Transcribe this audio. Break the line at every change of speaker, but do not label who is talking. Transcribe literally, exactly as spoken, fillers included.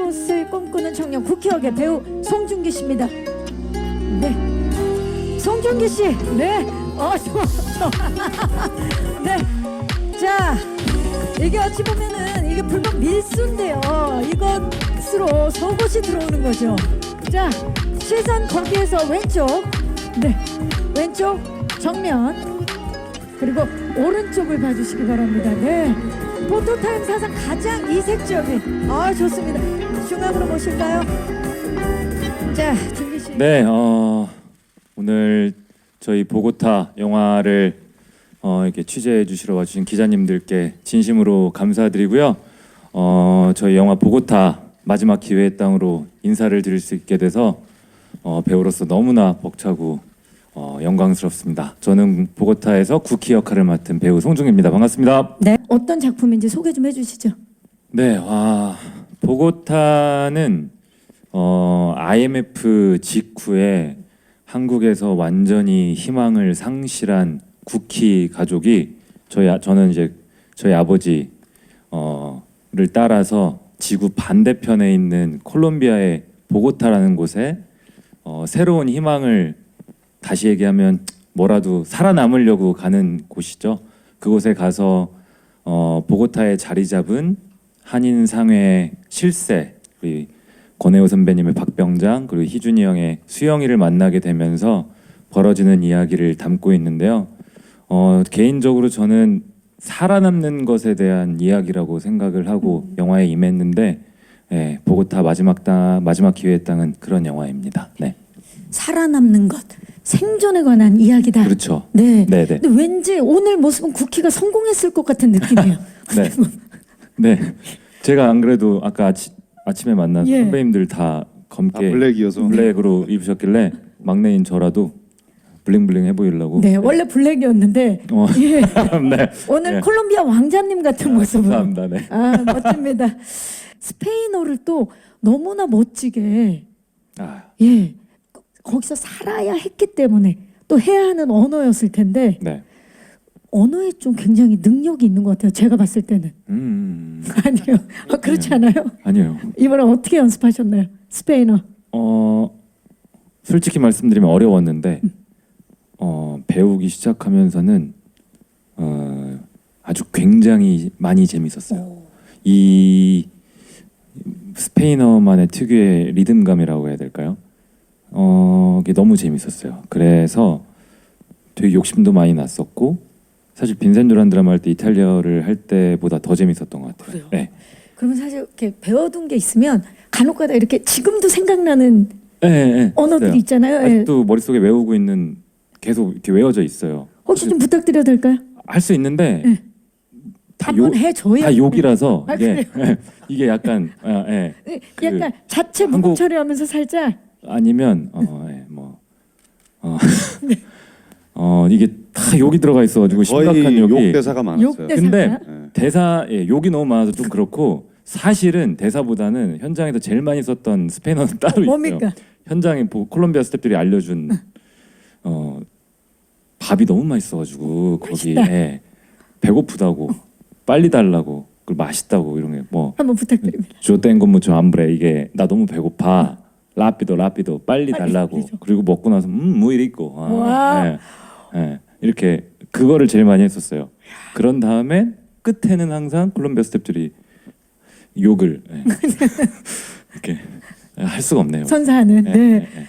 아스트로나웃을 꿈꾸는 청년 국회역의 배우 송중기 씨입니다. 네, 송중기 씨. 네, 어 좋아, 좋아. 네, 자 이게 어찌 보면은 이게 불법 밀수인데요. 이것으로 속옷이 들어오는 거죠. 자, 시선 거기에서 왼쪽, 네, 왼쪽 정면. 그리고 오른쪽을 봐주시기 바랍니다. 네, 포토타임 사상 가장 이색적인. 아 좋습니다. 중앙으로 모실까요? 자, 준기 씨.
네, 어, 오늘 저희 보고타 영화를 어, 이렇게 취재해 주시러 와주신 기자님들께 진심으로 감사드리고요. 어, 저희 영화 보고타 마지막 기회의 땅으로 인사를 드릴 수 있게 돼서 어, 배우로서 너무나 벅차고 어, 영광스럽습니다. 저는 보고타에서 쿠키 역할을 맡은 배우 송중기입니다. 반갑습니다.
네, 어떤 작품인지 소개 좀 해주시죠.
네, 와, 보고타는 어, 아이엠에프 직후에 한국에서 완전히 희망을 상실한 쿠키 가족이 저희 아- 저는 이제 저희 아버지 어를 따라서 지구 반대편에 있는 콜롬비아의 보고타라는 곳에 어, 새로운 희망을, 다시 얘기하면 뭐라도 살아남으려고 가는 곳이죠. 그곳에 가서 어, 보고타에 자리 잡은 한인 상회 실세, 우리 권혜호 선배님의 박병장, 그리고 희준이 형의 수영이를 만나게 되면서 벌어지는 이야기를 담고 있는데요. 어, 개인적으로 저는 살아남는 것에 대한 이야기라고 생각을 하고 영화에 임했는데, 예, 보고타 마지막 땅, 마지막 기회의 땅은 그런 영화입니다. 네,
살아남는 것, 생존에 관한 이야기다.
그렇죠.
네.
네, 네,
근데 왠지 오늘 모습은 쿠키가 성공했을 것 같은 느낌이에요.
네, 네. 제가 안 그래도 아까 아치, 아침에 만난
예.
선배님들 다 검게
아, 블랙이어서
블랙으로 입으셨길래 막내인 저라도 블링블링 해보이려고.
네, 원래 블랙이었는데
어,
예.
네.
오늘
네.
콜롬비아 왕자님 같은 모습으로.
감사합니다. 네.
아, 멋집니다. 스페인어를 또 너무나 멋지게,
아,
예, 거기서 살아야 했기 때문에 또 해야 하는 언어였을 텐데
네.
언어에 좀 굉장히 능력이 있는 것 같아요. 제가 봤을 때는.
음,
아니요, 아, 그렇지 않아요?
아니요.
이번에 어떻게 연습하셨나요? 스페인어.
어, 솔직히 말씀드리면 어려웠는데 어, 배우기 시작하면서는 어, 아주 굉장히 많이 재밌었어요. 이 스페인어만의 특유의 리듬감이라고 해야 될까요? 어, 이게 너무 재밌었어요. 그래서 되게 욕심도 많이 났었고, 사실 빈센 조란드라마 할 때 이탈리아를 할 때보다 더 재밌었던 것 같아요.
그래요?
네.
그러면 사실 이렇게 배워둔 게 있으면 간혹가다 이렇게 지금도 생각나는
네, 네,
언어들이
있어요.
있잖아요. 예.
아직도 머릿속에 외우고 있는, 계속 이렇게 외워져 있어요.
혹시 좀 부탁드려도 될까요?
할 수 있는데
네.
다, 욕,
한번 해줘야.
다 욕이라서
아,
이게, 이게 약간 아, 예.
네, 약간 자체
한국-
무국 처리하면서 살짝.
아니면 어, 예, 뭐 어, 어, 이게 다 욕이 들어가 있어가지고 심각한
거의
욕이.
욕 대사가 많았어요.
욕 대사.
근데
네.
대사, 예, 욕이 너무 많아서 좀 그렇고, 사실은 대사보다는 현장에서 제일 많이 썼던 스페인어는 따로 있어요.
뭡니까?
현장에 보- 콜롬비아 스태프들이 알려준 어, 밥이 너무 맛있어가지고 거기
맛있다.
에 배고프다고 빨리 달라고 그리고 맛있다고 이런 게 뭐
한번 부탁드립니다.
조땡고 무초 암브레, 이게 나 너무 배고파 라피도 라피도 빨리
빨리
달라고.
그러죠.
그리고 먹고 나서 음뭐 이리 있고 아,
와.
예, 예, 이렇게 그거를 제일 많이 했었어요. 그런 다음에 끝에는 항상 콜롬비아 스태프들이 욕을 예. 이렇게 할 수가 없네요.
선사하는.
예,
네.
예, 예.